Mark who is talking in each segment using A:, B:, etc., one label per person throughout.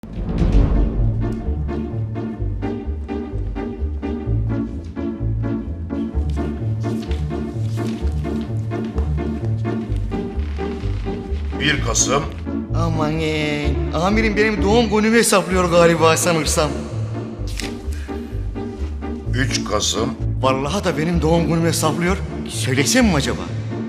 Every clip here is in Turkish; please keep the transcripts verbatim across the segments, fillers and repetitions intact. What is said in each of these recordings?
A: Bir Kasım.
B: Aman ee, amirim benim doğum günümü hesaplıyor galiba sanırsam.
A: Üç Kasım.
B: Vallahi da benim doğum günümü hesaplıyor. Söylesem mi acaba?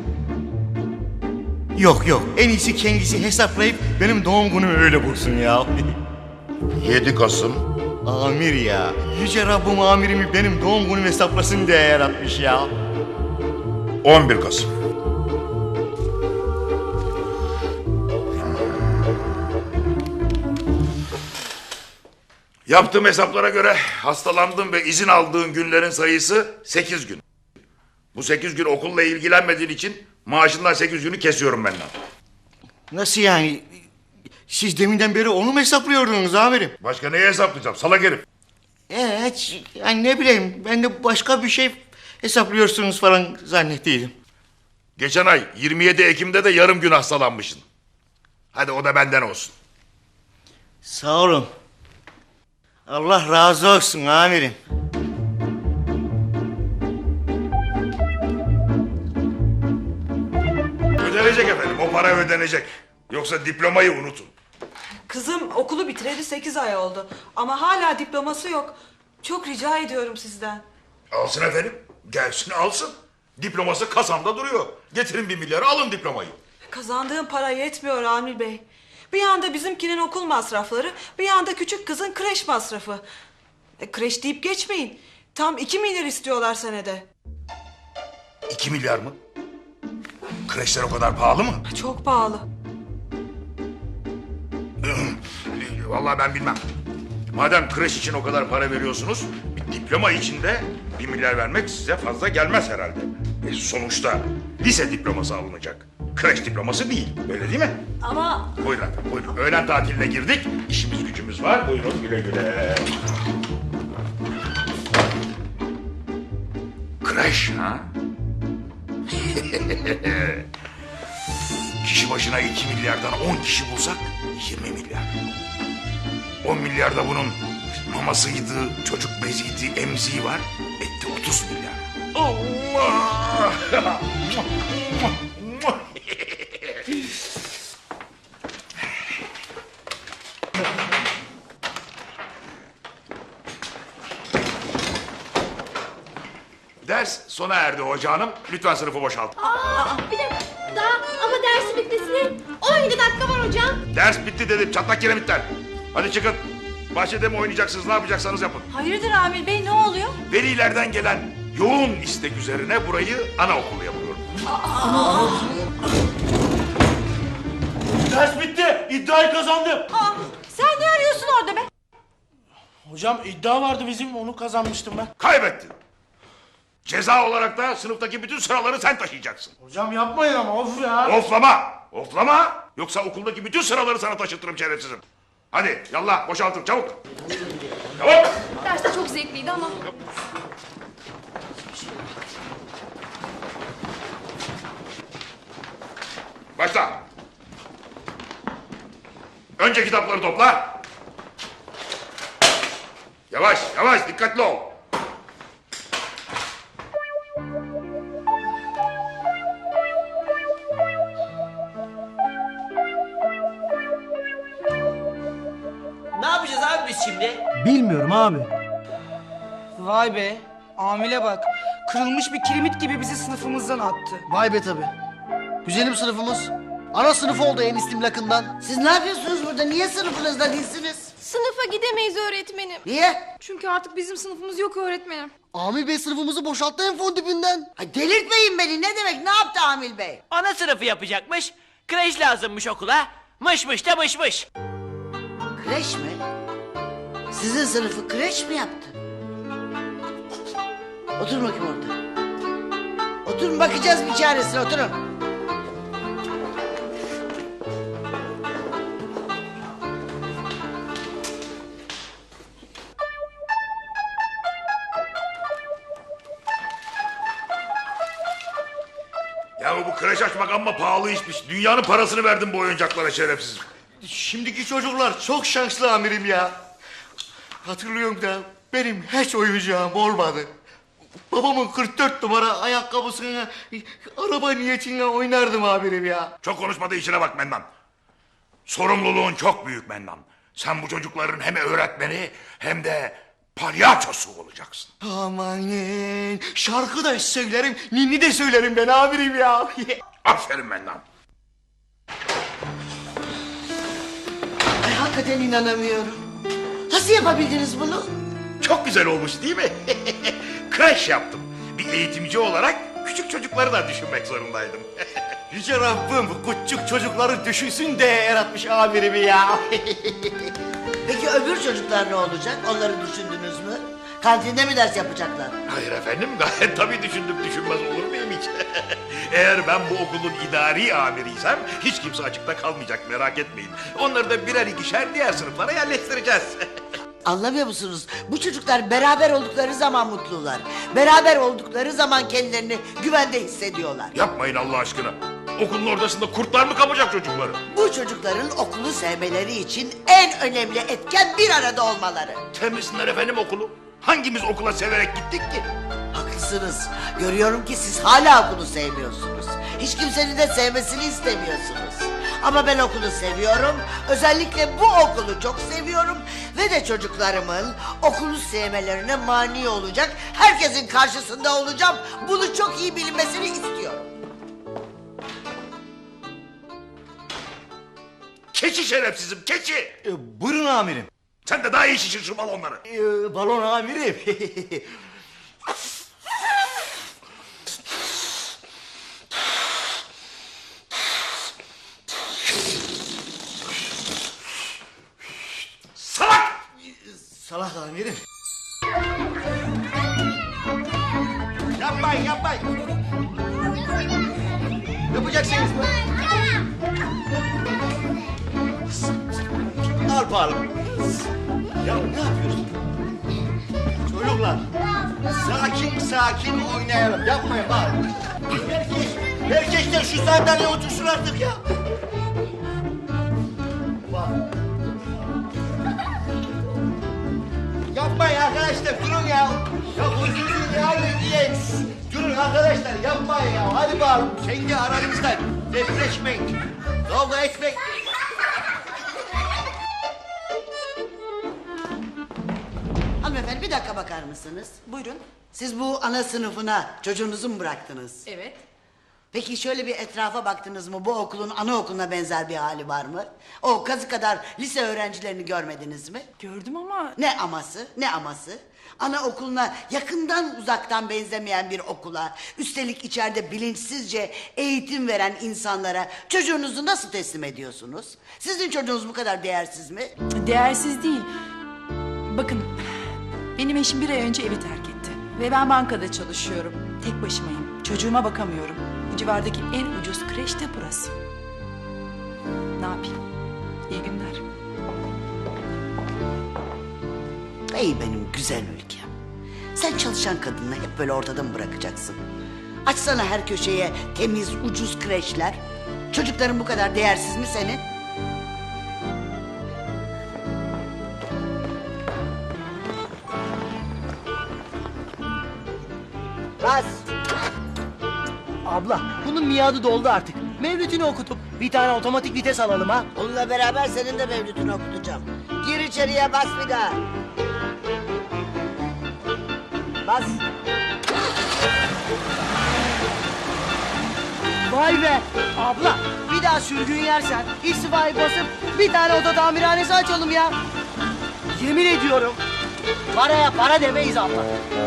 B: Yok yok, en iyisi kendisi hesaplayıp benim doğum günümü öyle bulsun ya.
A: Yedi Kasım.
B: Amir ya, yüce Rabbim amirimi benim doğum günümü hesaplasın diye yaratmış ya.
A: On bir Kasım. Yaptığım hesaplara göre hastalandığın ve izin aldığın günlerin sayısı sekiz gün. Bu sekiz gün okulla ilgilenmediğin için maaşından sekiz günü kesiyorum benden.
B: Nasıl yani? Siz deminden beri onu mu hesaplıyordunuz amirim?
A: Başka neyi hesaplayacağım salak herif?
B: Evet, yani ne bileyim, ben de başka bir şey hesaplıyorsunuz falan zannettiydim.
A: Geçen ay yirmi yedi Ekim'de de yarım gün hastalanmışsın. Hadi o da benden olsun.
B: Sağ olun. Allah razı olsun amirim.
A: Ödenecek efendim, o para ödenecek. Yoksa diplomayı unutun.
C: Kızım okulu bitireli sekiz ay oldu. Ama hala diploması yok. Çok rica ediyorum sizden.
A: Alsın efendim, gelsin alsın. Diploması kasamda duruyor. Getirin bir milyarı alın diplomayı.
C: Kazandığım para yetmiyor Amil Bey. Bir yanda bizimkinin okul masrafları, bir yanda küçük kızın kreş masrafı. E, kreş deyip geçmeyin. Tam iki milyar istiyorlar senede.
A: İki milyar mı? Kreşler o kadar pahalı mı?
C: Çok pahalı.
A: Vallahi ben bilmem. Madem kreş için o kadar para veriyorsunuz, bir diploma için de bir milyar vermek size fazla gelmez herhalde. E sonuçta lise diploması alınacak. Kreş diploması değil, öyle değil mi?
C: Ama...
A: Buyurun efendim, buyurun. Öğlen tatiline girdik, işimiz gücümüz var. Buyurun güle güle. Kreş ha? Kişi başına iki milyardan on kişi bulsak yirmi milyar. On milyarda bunun mamasıydı, çocuk beziydi, emziği var. Etti otuz milyar. Allah! Ders sona erdi hoca hanım. Lütfen sınıfı boşaltın.
D: Aa, bir dakika daha ama dersi bitmesine on yedi dakika var hocam.
A: Ders bitti dedim çatlak kiremitler. Hadi çıkın. Bahçede mi oynayacaksınız, ne yapacaksanız yapın.
C: Hayırdır Amil Bey, ne oluyor?
A: Velilerden gelen yoğun istek üzerine burayı anaokulu yapıyorum.
E: Ders bitti. İddiayı kazandım.
C: Aa, sen ne arıyorsun orada be?
E: Hocam iddia vardı bizim, onu kazanmıştım ben.
A: Kaybettin. Ceza olarak da sınıftaki bütün sıraları sen taşıyacaksın.
E: Hocam yapmayın ama of ya.
A: Oflama, oflama. Yoksa okuldaki bütün sıraları sana taşıtırım şerefsizim. Hadi yallah boşaltın çabuk. Çabuk.
D: Ders de çok zevkliydi ama.
A: Başla. Önce kitapları topla. Yavaş, yavaş, dikkatli ol.
F: Ne yapacağız abi biz şimdi?
E: Bilmiyorum abi.
G: Vay be, Amile bak. Kırılmış bir kiremit gibi bizi sınıfımızdan attı.
H: Vay be tabi. Güzelim sınıfımız. Ana sınıf oldu en istimlakından.
I: Siz ne yapıyorsunuz burada? Niye sınıfınızda değilsiniz?
D: Sınıfa gidemeyiz öğretmenim.
I: Niye?
D: Çünkü artık bizim sınıfımız yok öğretmenim.
H: Amil Bey sınıfımızı boşalttı en fon dibinden.
I: Ay delirtmeyin beni. Ne demek? Ne yaptı Amil Bey?
F: Ana sınıfı yapacakmış. Kreş lazımmış okula. Mış mış da mış mış.
I: Kreş mi? Sizin sınıfı kreş mi yaptı? Oturun bakayım orada. Oturun, bakacağız bir çaresine, oturun.
A: Ya bu kreş açmak amma pahalı işmiş. Dünyanın parasını verdim bu oyuncaklara şerefsizim.
B: Şimdiki çocuklar çok şanslı amirim ya. Hatırlıyorum da benim hiç oyuncağım olmadı. Babamın kırk dört numara ayakkabısına, araba niyetine oynardım amirim ya.
A: Çok konuşmadığı işine bak Mennan. Sorumluluğun çok büyük Mennan. Sen bu çocukların hem öğretmeni hem de palyaçosu olacaksın.
B: Amanın şarkı da söylerim, ninni de söylerim ben amirim ya.
A: Aferin Mennan.
I: Ay hakikaten inanamıyorum. Nasıl yapabildiniz bunu?
A: Çok güzel olmuş değil mi? Kreş yaptım. Bir eğitimci olarak küçük çocukları da düşünmek zorundaydım.
B: Yüce Rabbim küçük çocukları düşünsün de yaratmış amirimi ya.
I: Peki öbür çocuklar ne olacak? Onları düşündünüz mü? Kantinde mi ders yapacaklar?
A: Hayır efendim, gayet tabii düşündüm, düşünmez olur muyum hiç? Eğer ben bu okulun idari amiriysem hiç kimse açıkta kalmayacak, merak etmeyin. Onları da birer ikişer diğer sınıflara yerleştireceğiz.
I: Anlamıyor musunuz? Bu çocuklar beraber oldukları zaman mutlular. Beraber oldukları zaman kendilerini güvende hissediyorlar.
A: Yapmayın Allah aşkına. Okulun ortasında kurtlar mı kapacak çocukları?
I: Bu çocukların okulu sevmeleri için en önemli etken bir arada olmaları.
A: Temizsinler efendim okulu. Hangimiz okula severek gittik ki?
I: Haklısınız. Görüyorum ki siz hala okulu sevmiyorsunuz. Hiç kimsenin de sevmesini istemiyorsunuz. Ama ben okulu seviyorum. Özellikle bu okulu çok seviyorum. Ve de çocuklarımın okulu sevmelerine mani olacak. Herkesin karşısında olacağım. Bunu çok iyi bilinmesini istiyorum.
A: Keçi şerefsizim, keçi!
B: E, buyurun amirim.
A: Sen de daha iyi şişir şu balonları.
B: E, balon amirim.
A: Salak!
B: Salak amirim. Yapmayın, yapmayın. Yapacaksınız mı? Al bakalım. Ya ne yapıyorsun? Çocuklar, sakin sakin oynayalım. Yapmayın bak. Herkes, herkesler şu sandalyeye otursun artık ya. Bak. Yapmayın arkadaşlar, durun ya. Ya huzurun ya diye. Durun arkadaşlar, yapmayın ya. Hadi bakalım, kendi aranızda depreşmeyin. Kavga etmeyin.
I: Hanımefendi bir dakika bakar mısınız?
C: Buyurun.
I: Siz bu ana sınıfına çocuğunuzu mu bıraktınız?
C: Evet.
I: Peki şöyle bir etrafa baktınız mı? Bu okulun anaokuluna benzer bir hali var mı? O kazı kadar lise öğrencilerini görmediniz mi?
C: Gördüm ama...
I: Ne aması, ne aması? Anaokuluna yakından uzaktan benzemeyen bir okula, üstelik içeride bilinçsizce eğitim veren insanlara çocuğunuzu nasıl teslim ediyorsunuz? Sizin çocuğunuz bu kadar değersiz mi?
J: Değersiz değil. Bakın, benim eşim bir ay önce evi terk etti. Ve ben bankada çalışıyorum. Tek başımayım. Çocuğuma bakamıyorum. Bu civardaki en ucuz kreş de burası. Ne yapayım? İyi günler.
I: Ey benim güzel ülkem. Sen çalışan kadını hep böyle ortada mı bırakacaksın? Açsana her köşeye temiz, ucuz kreşler. Çocukların bu kadar değersiz mi senin? Bas.
H: Abla bunun miadı doldu artık. Mevlüt'ünü okutup bir tane otomatik vites alalım ha.
I: Onunla beraber senin de mevlütünü okutacağım. Gir içeriye, bas bir daha. Bas.
H: Vay be abla bir daha sürgün yersen istifayı basıp bir tane oto tamirhanesi açalım ya. Yemin ediyorum paraya para demeyiz abla.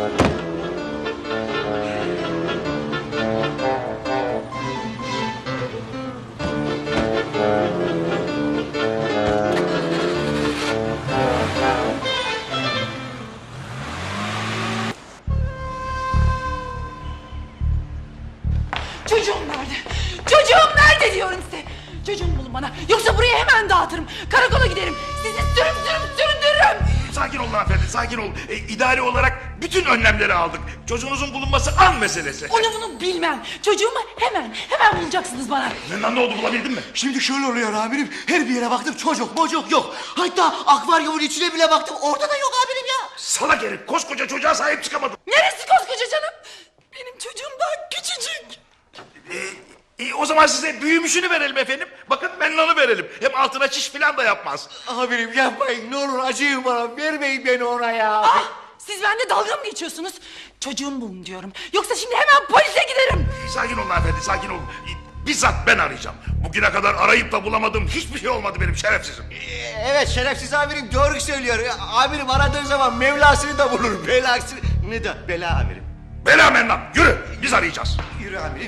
J: Çocuğum nerede? Çocuğum nerede diyorum size. Çocuğumu bulun bana. Yoksa burayı hemen dağıtırım. Karakola giderim. Sizi sürüm sürüm süründürürüm.
A: Sakin sakin olun hanımefendi, sakin olun. E, idari olarak bütün önlemleri aldık. Çocuğunuzun bulunması an meselesi.
J: Onu bunu bilmem. Çocuğumu hemen, hemen bulacaksınız bana.
A: Ne, ne oldu, bulabildin mi?
B: Şimdi şöyle oluyor amirim. Her bir yere baktım, çocuk mocuk yok. Hatta akvaryumun içine bile baktım, orada da yok amirim ya.
A: Salak herif, koskoca çocuğa sahip çıkamadın.
J: Neresi koskoca canım? Benim çocuğum daha küçücük.
A: E, e, o zaman size büyümüşünü verelim efendim. Bakın Mennan'ı verelim. Hem altına çiş falan da yapmaz.
B: Amirim yapmayın, ne olur acıyın bana, vermeyin beni ona ya.
J: Ah, siz benimle dalga mı geçiyorsunuz? Çocuğumu bulun diyorum. Yoksa şimdi hemen polise giderim.
A: E, sakin olun hanımefendi, sakin olun. E, bizzat ben arayacağım. Bugüne kadar arayıp da bulamadığım hiçbir şey olmadı benim şerefsizim.
B: Evet, şerefsiz amirim doğru söylüyor. Amirim aradığı zaman Mevlasını da bulur, belasını. Ne de bela amirim.
A: Bela Mennan, yürü, biz arayacağız.
B: Yürü amirim.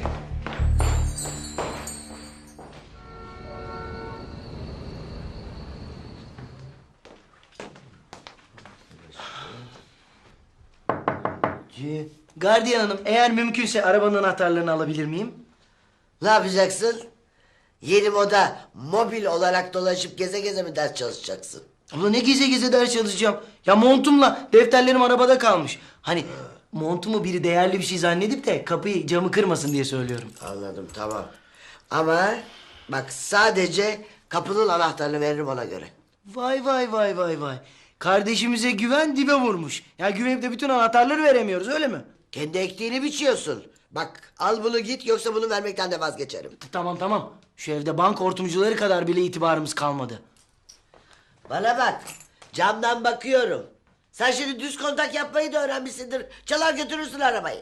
H: Gardiyan hanım, eğer mümkünse arabanın anahtarlarını alabilir miyim?
I: Ne yapacaksın? Yeni moda mobil olarak dolaşıp geze geze mi ders çalışacaksın?
H: Abla ne geze geze ders çalışacağım. Ya montumla defterlerim arabada kalmış. Hani montumu biri değerli bir şey zannedip de kapıyı camı kırmasın diye söylüyorum.
I: Anladım, tamam. Ama bak, sadece kapının anahtarını veririm ona göre.
H: Vay vay vay vay vay. Kardeşimize güven dibe vurmuş. Ya güvenip de bütün anahtarları veremiyoruz, öyle mi?
I: Kendi ektiğini biçiyorsun. Bak, al bunu git, yoksa bunu vermekten de vazgeçerim.
H: Tamam tamam. Şu evde banka hortumcuları kadar bile itibarımız kalmadı.
I: Bana bak, camdan bakıyorum. Sen şimdi düz kontak yapmayı da öğrenmişsindir. Çalar götürürsün arabayı.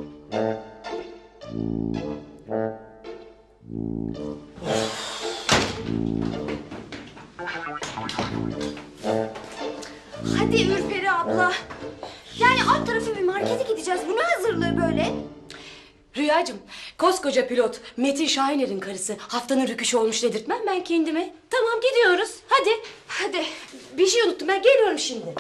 D: Hadi Ürperi abla. Yani alt tarafı bir markete gideceğiz. Bu ne hazırlığı böyle?
K: Rüyacığım, koskoca pilot Metin Şahiner'in karısı haftanın rüküşü olmuş dedirtmem ben kendime. Tamam gidiyoruz, hadi.
D: Hadi.
K: Bir şey unuttum, ben geliyorum şimdi.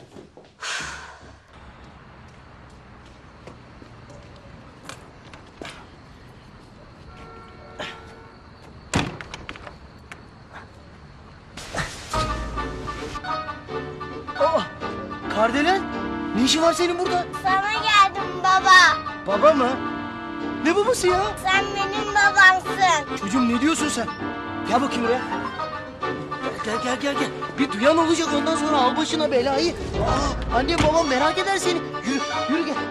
H: Aa, Kardelen, ne işin var senin burada?
D: Sana geldim baba.
H: Baba mı? Ne babası ya?
D: Sen benim babamsın.
H: Çocuğum ne diyorsun sen? Gel bakayım buraya. Gel gel gel gel. Bir duyan olacak, ondan sonra al başına belayı. Aa, annem babam merak eder seni. Yürü yürü gel.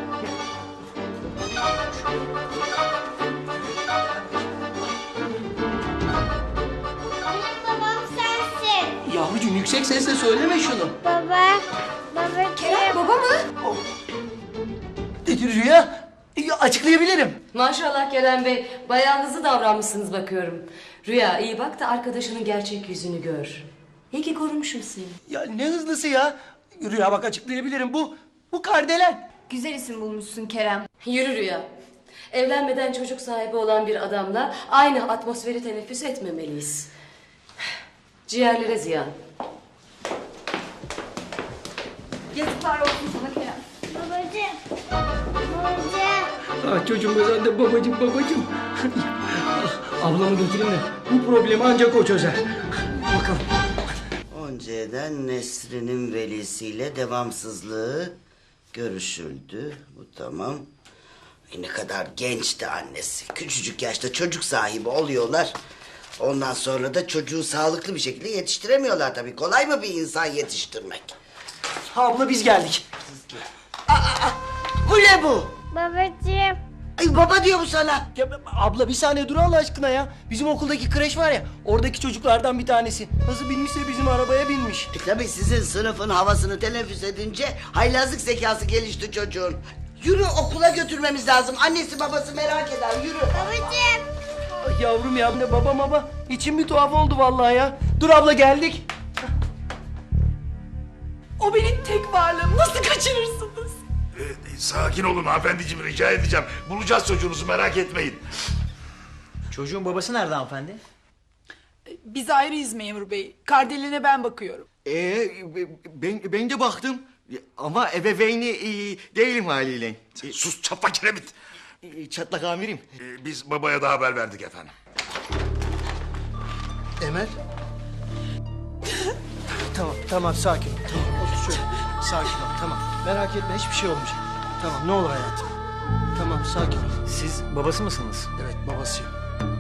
D: Benim babam sensin.
H: Yavrucuğum yüksek sesle söyleme şunu.
D: Baba. Baba.
K: Kerem, baba mı?
H: Dedi Rüya. Ya, açıklayabilirim.
K: Maşallah Kerem Bey, bayağı hızlı davranmışsınız bakıyorum. Rüya, iyi bak da arkadaşının gerçek yüzünü gör. İyi ki korumuşum seni.
H: Ya ne hızlısı ya. Rüya bak, açıklayabilirim. Bu, bu Kardelen.
D: Güzel isim bulmuşsun Kerem.
K: Yürü Rüya. Evlenmeden çocuk sahibi olan bir adamla aynı atmosferi teneffüs etmemeliyiz. Ciğerlere ziyan.
D: Yazıklar olsun sana Kerem. Babacığım. Babacığım.
H: Ah çocuğum be, sen de babacığım babacığım. Ablamı götürün de bu problemi ancak o çözer. Bakalım.
I: Önceden Nesrin'in velisiyle devamsızlığı görüşüldü. Bu tamam. E ne kadar gençti annesi. Küçücük yaşta çocuk sahibi oluyorlar. Ondan sonra da çocuğu sağlıklı bir şekilde yetiştiremiyorlar tabii. Kolay mı bir insan yetiştirmek?
H: Abla biz geldik. Aa, aa, bu ne bu?
D: Babacığım.
I: Ay baba diyor bu sana.
H: Ya, abla bir saniye dur Allah aşkına ya. Bizim okuldaki kreş var ya, oradaki çocuklardan bir tanesi. Nasıl binmişse bizim arabaya binmiş.
I: E tabii sizin sınıfın havasını teneffüs edince haylazlık zekası gelişti çocuğun. Yürü, okula götürmemiz lazım. Annesi babası merak eder, yürü.
D: Babacığım.
H: Ay yavrum ya, ne baba baba. İçim bir tuhaf oldu vallahi ya. Dur abla, geldik.
J: O benim tek varlığım. Nasıl kaçırırsınız?
A: E, sakin olun hanımefendiciğim, rica edeceğim. Bulacağız çocuğunuzu, merak etmeyin.
G: Çocuğun babası nerede hanımefendi?
J: Biz ayrıyız memur bey. Kardelen'e ben bakıyorum.
B: Ee, ben, ben de baktım. Ama ebeveyni e, değilim haliyle.
A: Sen sus çatlak kiremit.
B: E, çatlak amirim.
A: E, biz babaya da haber verdik efendim.
B: Emel.
H: Tamam tamam, sakin ol. Tamam, otur şöyle. Sakin ol tamam. Merak etme hiçbir şey olmayacak. Tamam ne olur hayatım. Tamam sakin ol.
L: Siz babası mısınız?
H: Evet babasıyım.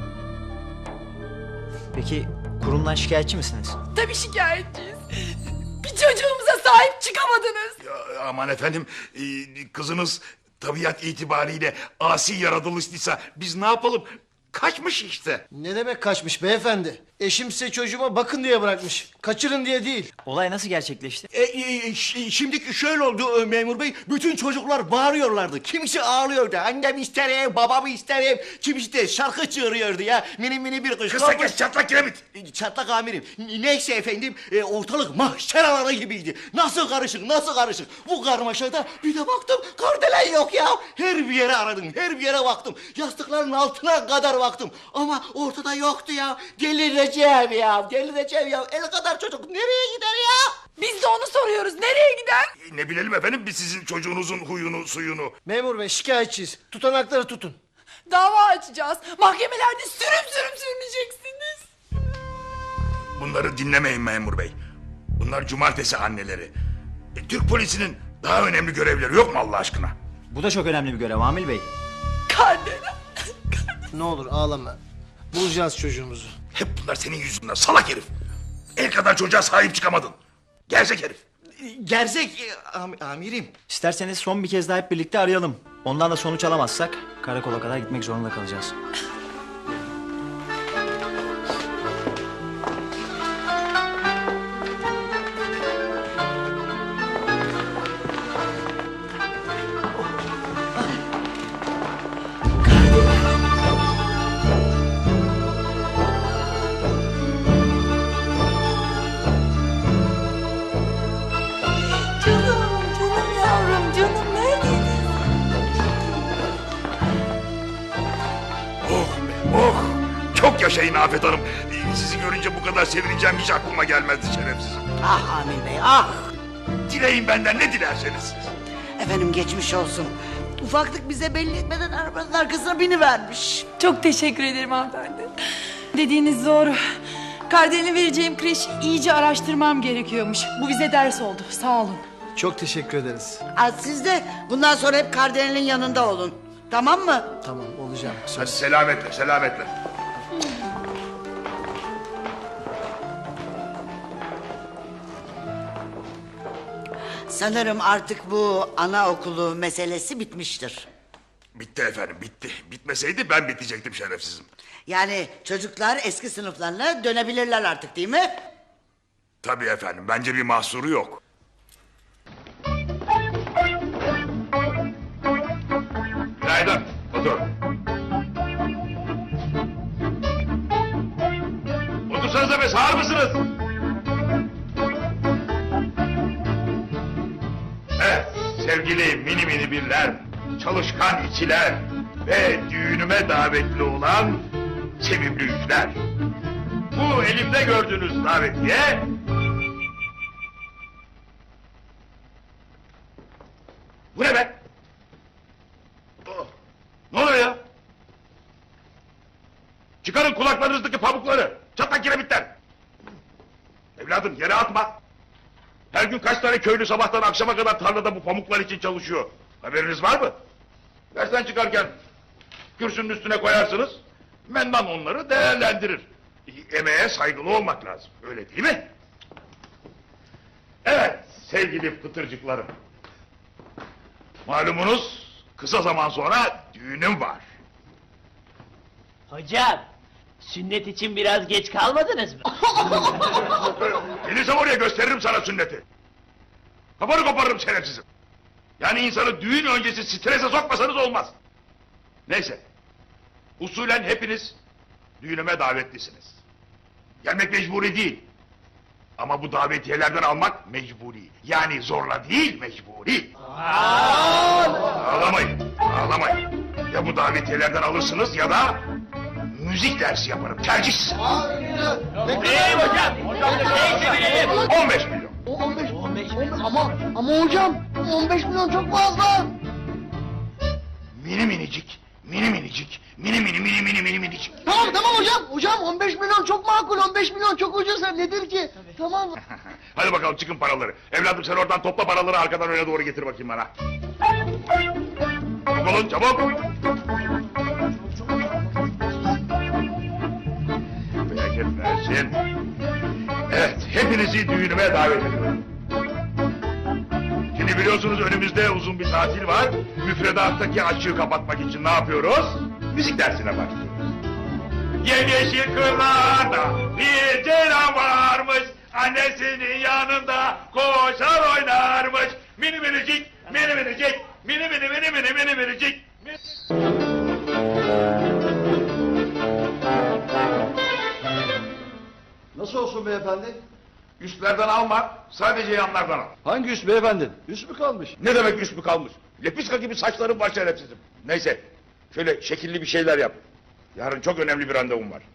L: Peki kurumdan şikayetçi misiniz?
J: Tabii şikayetçiyiz. Bir çocuğumuza sahip çıkamadınız.
A: Ya, aman efendim e, kızınız tabiat itibariyle asi yaratılışlıysa biz ne yapalım? Kaçmış işte.
H: Ne demek kaçmış beyefendi? Eşim size çocuğuma bakın diye bırakmış. Kaçırın diye değil.
L: Olay nasıl gerçekleşti?
B: E, e, ş- şimdiki şöyle oldu e, memur bey. Bütün çocuklar bağırıyorlardı. Kimisi ağlıyordu. Annem isterim, babamı isterim. Kimisi de şarkı çığırıyordu ya. Mini mini bir kız.
A: Kısa kes çatlak kiremit.
B: E, Çatlak amirim. N- Neyse efendim e, ortalık mahşer alanı gibiydi. Nasıl karışık nasıl karışık. Bu karmaşada bir de baktım kardelen yok ya. Her bir yere aradım her bir yere baktım. Yastıkların altına kadar baktım. Ama ortada yoktu ya. Delireceğim ya. Delireceğim ya. El kadar çocuk nereye gider ya?
J: Biz de onu soruyoruz. Nereye gider?
A: E, ne bilelim efendim biz sizin çocuğunuzun huyunu suyunu.
H: Memur bey şikayetçiyiz. Tutanakları tutun.
J: Dava açacağız. Mahkemelerde sürüm sürüm sürüneceksiniz.
A: Bunları dinlemeyin memur bey. Bunlar cumartesi anneleri. E, Türk polisinin daha önemli görevleri yok mu Allah aşkına?
L: Bu da çok önemli bir görev Amil Bey.
J: Kardelen.
H: Ne olur ağlama. Bulacağız çocuğumuzu.
A: Hep bunlar senin yüzünden salak herif. El kadar çocuğa sahip çıkamadın. Gerzek herif.
B: Gerzek e, am- amirim.
L: İsterseniz son bir kez daha hep birlikte arayalım. Ondan da sonuç alamazsak karakola kadar gitmek zorunda kalacağız.
J: Canım, canım yavrum, canım neredeydin?
A: Oh be oh. Çok yaşayın Afet Hanım. E, Sizi görünce bu kadar sevineceğim hiç aklıma gelmezdi şerefsiz.
I: Ah Amil Bey ah.
A: Dileyin benden ne dilerseniz siz.
I: Efendim geçmiş olsun. Ufaklık bize belli etmeden arabanın arkasına binivermiş.
J: Çok teşekkür ederim hanımefendi. Dediğiniz doğru. Kardelen'e vereceğim kreşi iyice araştırmam gerekiyormuş. Bu bize ders oldu. Sağ olun.
H: Çok teşekkür ederiz.
I: Ha, siz de bundan sonra hep Kardelen'in yanında olun. Tamam mı?
H: Tamam olacağım.
A: Hadi selametle selametle.
I: Sanırım artık bu anaokulu meselesi bitmiştir.
A: Bitti efendim bitti. Bitmeseydi ben bitecektim şerefsizim.
I: Yani çocuklar eski sınıflarına dönebilirler artık değil mi?
A: Tabii efendim bence bir mahsuru yok. Günaydın. Otur. Otursanıza be sağır mısınız? Evet sevgili mini mini birler, çalışkan içiler ve düğünüme davetli olan sevimli yükler. Bu elimde gördüğünüz davetiye... Bu ne be? Oh, ne oluyor ya? Çıkarın kulaklarınızdaki pamukları, çatlak kiremitler. Evladım yere atma. Her gün kaç tane köylü sabahtan akşama kadar tarlada bu pamuklar için çalışıyor. Haberiniz var mı? Dersten çıkarken kürsünün üstüne koyarsınız. Mendan onları değerlendirir. Emeğe saygılı olmak lazım. Öyle değil mi? Evet sevgili pıtırcıklarım. Malumunuz kısa zaman sonra düğünüm var.
F: Hocam, sünnet için biraz geç kalmadınız mı?
A: Gelirsem oraya gösteririm sana sünneti. Kafanı koparırım şerefsizim. Yani insanı düğün öncesi strese sokmasanız olmaz. Neyse. Usulen hepiniz düğünüme davetlisiniz. Gelmek mecburi değil. Ama bu davetiyelerden almak mecburi. Yani zorla değil mecburi. Ağlamayın, ağlamayın. Ya bu davetiyelerden alırsınız ya da müzik dersi yaparım. Tercih size.
F: Hey hocam, neyse bilelim.
A: on beş milyon.
B: on beş, on beş ama ama hocam on beş milyon çok fazla.
A: Mini minicik, Mini minicik. Mini mini mini mini mini minicik.
H: Tamam tamam hocam. Hocam on beş milyon çok makul. on beş milyon çok ucuz. Nedir ki? Tamam.
A: Hadi bakalım çıkın paraları. Evladım sen oradan topla paraları arkadan öne doğru getir bakayım bana. Çabuk olun çabuk. Bereket versin. Evet hepinizi düğünüme davet ediyorum. Şimdi biliyorsunuz önümüzde uzun bir tatil var. Müfredattaki açığı kapatmak için ne yapıyoruz? Müzik dersine başlıyoruz. Yemyeşil kırlarda bir ceylan varmış. Annesinin yanında koşar oynarmış. Mini minicik, mini minicik, mini mini mini mini mini minicik.
M: Nasıl olsun beyefendi?
A: Üstlerden alma, sadece yanlardan al.
M: Hangi üst beyefendi? Üst mü kalmış?
A: Ne demek üst mü kalmış? Lepiska gibi saçlarım var şerefsizim. Neyse, şöyle şekilli bir şeyler yap. Yarın çok önemli bir randevum var.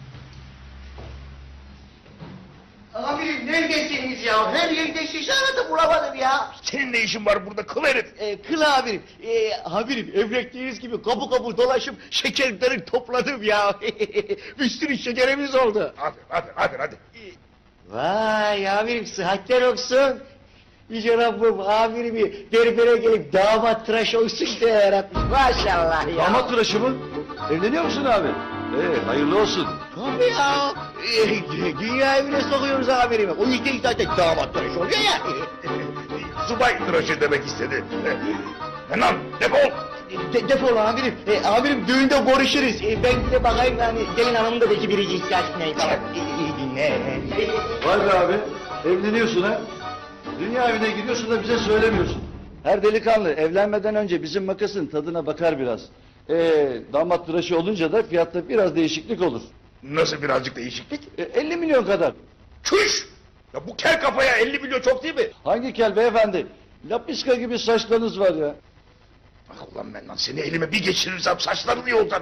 H: Amirim neredesiniz ya? Her yerde sizi aradım bulamadım ya.
A: Senin ne işin var burada kıl herif?
H: Ee, kıl amirim. Ee, amirim emrettiğiniz gibi kapı kapı dolaşıp şekerleri topladım ya. Bir sürü şekerimiz oldu.
A: Hadi, hadi, hadi, hadi.
H: Vay amirim sıhhatler olsun. Yüce Rabbim amirimi berbere gelip damat tıraş olsun diye yaratmış. Maşallah ya.
M: Damat tıraşı mı? Evleniyor musun abi? Ee, hayırlı olsun.
H: Tabii ya. Ee, dünya evine sokuyoruz amirimi. O yüzden zaten damat tıraş oluyor ya.
A: Subay tıraşı demek istedi. Hemen defol.
H: De, defol amirim. E, amirim düğünde görüşürüz. E, ben bir de bakayım yani gelin hanımın da belki biricik ihtiyaç neyse. İyi dinle.
M: Vay be abi, evleniyorsun ha? Dünya evine gidiyorsun da bize söylemiyorsun. Her delikanlı evlenmeden önce bizim makasın tadına bakar biraz. Ee, damat tıraşı olunca da fiyatta biraz değişiklik olur.
A: Nasıl birazcık değişiklik?
M: E, elli milyon kadar.
A: Çüş! Ya bu kel kafaya elli milyon çok değil mi?
M: Hangi kel beyefendi? Lapiska gibi saçlarınız var ya.
A: Bak ulan ben lan seni elime bir geçirirsem saçların iyi olacak.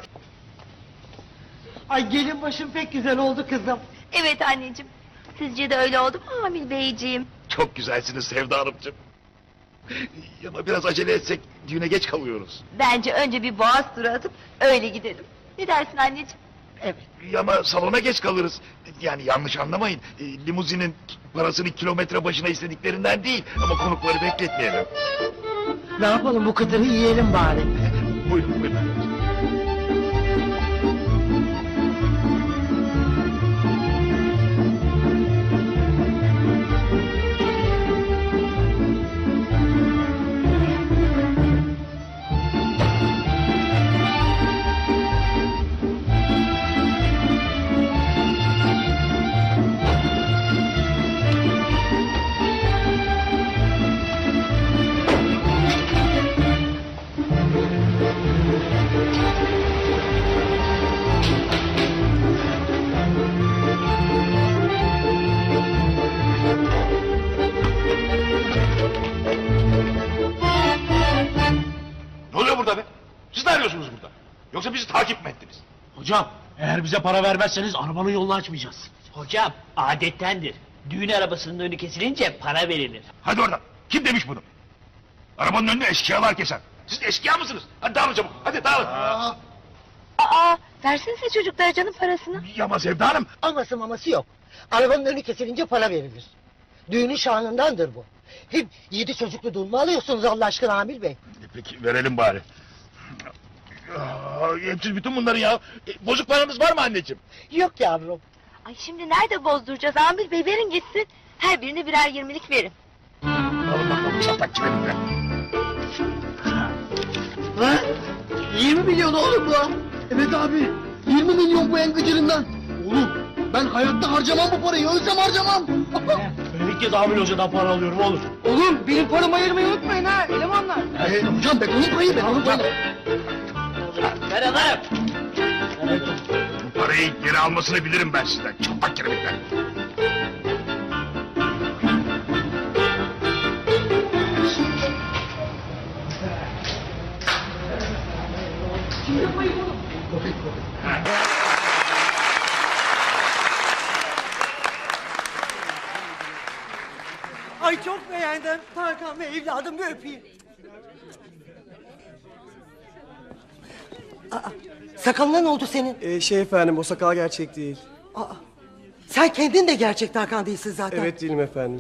H: Ay gelin başım pek güzel oldu kızım.
D: Evet anneciğim. Sizce de öyle oldu mu Amil Beyciğim?
A: Çok güzelsiniz Sevda Hanımcığım. Ama biraz acele etsek düğüne geç kalıyoruz.
D: Bence önce bir boğaz turu atıp öyle gidelim. Ne dersin anneciğim?
H: Evet.
A: Ama salona geç kalırız. Yani yanlış anlamayın. E, limuzinin parasını kilometre başına istediklerinden değil. Ama konukları bekletmeyelim.
H: Ne yapalım bu kıtırı yiyelim bari.
A: Buyurun buyurun. Ne oluyor burada be? Siz ne arıyorsunuz burada? Yoksa bizi takip mi ettiniz?
E: Hocam eğer bize para vermezseniz arabanın yolunu açmayacağız.
F: Hocam adettendir. Düğün arabasının önü kesilince para verilir.
A: Hadi oradan. Kim demiş bunu? Arabanın önüne eşkıyalar keser. Siz eşkıya mısınız? Hadi dağılın çabuk. Hadi dağılın.
H: Aa,
D: Aa, versenize çocuklara canım parasını.
A: Ama Sevda Hanım.
H: aması maması yok. Arabanın önü kesilince para verilir. Düğünün şanındandır bu. Hem yedi çocuklu dul mu alıyorsunuz Allah aşkına Amir Bey?
A: Peki verelim bari. Aa, hepsi bütün bunları ya. E, bozuk paranız var mı anneciğim?
H: Yok yavrum.
D: Ay şimdi nerede bozduracağız Amil Bey, verin gitsin. Her birine birer yirmilik verin.
A: Alın bakalım çatlak çimenimle.
H: Ha? yirmi milyon oğlum bu. Evet abi. yirmi milyon bu en gıcırından. Oğlum ben hayatta harcamam bu parayı. Ölsem harcamam.
E: Ben ilk kez Amil Hoca'dan para alıyorum oğlum.
G: Oğlum benim paramı ayırmayı unutmayın ha elemanlar.
H: Ee, hocam ben onun payı ben onun payı.
F: Ver alırım.
A: Bu parayı geri almasını bilirim ben sizden. Çatlak kiremikler.
H: Ay çok beğendim. Tarkan ve evladım bir öpeyim. Sakalına ne oldu senin?
N: Ee, şey efendim o sakal gerçek değil.
H: Aa, sen kendin de gerçek Hakan değilsin zaten.
N: Evet değilim efendim.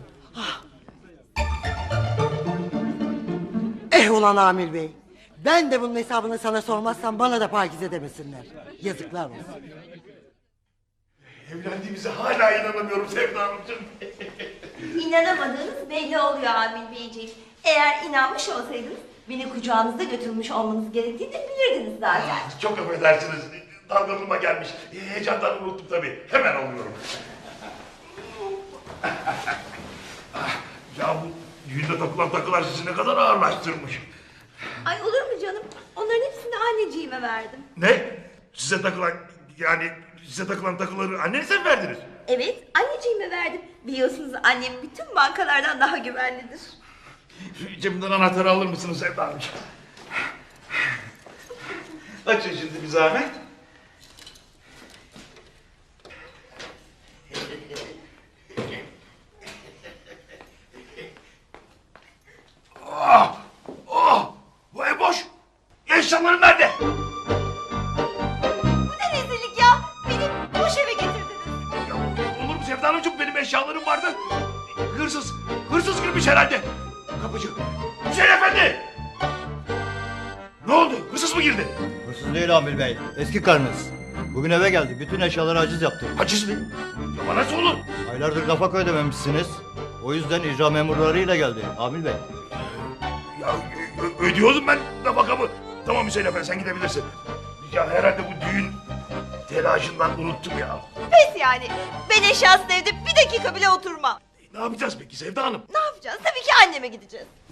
H: Eh ulan Amir Bey. Ben de bunun hesabını sana sormazsam bana da Pakize demesinler. Yazıklar olsun.
A: Evlendiğimize hala inanamıyorum Sevda Hanımcığım.
D: İnanamadığınız belli oluyor Amil Beyciğim. Eğer inanmış olsaydınız beni kucağınızda götürmüş olmanız gerektiğini bilirdiniz zaten.
A: Çok affedersiniz. Dalgınlığıma gelmiş. Heyecandan unuttum tabii. Hemen alıyorum. Ya bu düğünde takılan takılar sizi ne kadar ağırlaştırmış.
D: Ay olur mu canım? Onların hepsini anneciğime verdim.
A: Ne? Size takılan yani size takılan takıları annenize mi verdiniz?
D: Evet, anneciğime verdim. Biliyorsunuz annem bütün bankalardan daha güvenlidir.
A: Cebimden anahtarı alır mısınız Sevda Hanımcığım? Açın şimdi bir zahmet. Ah! Ah! Bu ev boş! Eşyalarım nerede?
D: Bu ne rezillik ya? Beni boş eve getirdiniz.
A: Ya, olur mu Sevda Hanımcığım? Benim eşyalarım vardı. Hırsız, hırsız girmiş herhalde. Kapıcı. Hüseyin Efendi! Ne oldu? Hırsız mı girdi?
O: Hırsız değil Amil Bey. Eski karınız. Bugün eve geldi. Bütün eşyaları haciz yaptı.
A: Haciz mi? Ama nasıl olur?
O: Aylardır nafaka ödememişsiniz. O yüzden icra memurlarıyla geldi Amil Bey.
A: Ya ö- ödüyordum ben nafakamı. Tamam Hüseyin Efendi sen gidebilirsin. Ya herhalde bu düğün telaşından unuttum ya.
D: Pes yani. Ben eşyasız evde bir dakika bile oturmam.
A: Ne yapacağız peki Sevda Hanım?
D: Ne yapacağız? Tabii ki anneme gideceğiz.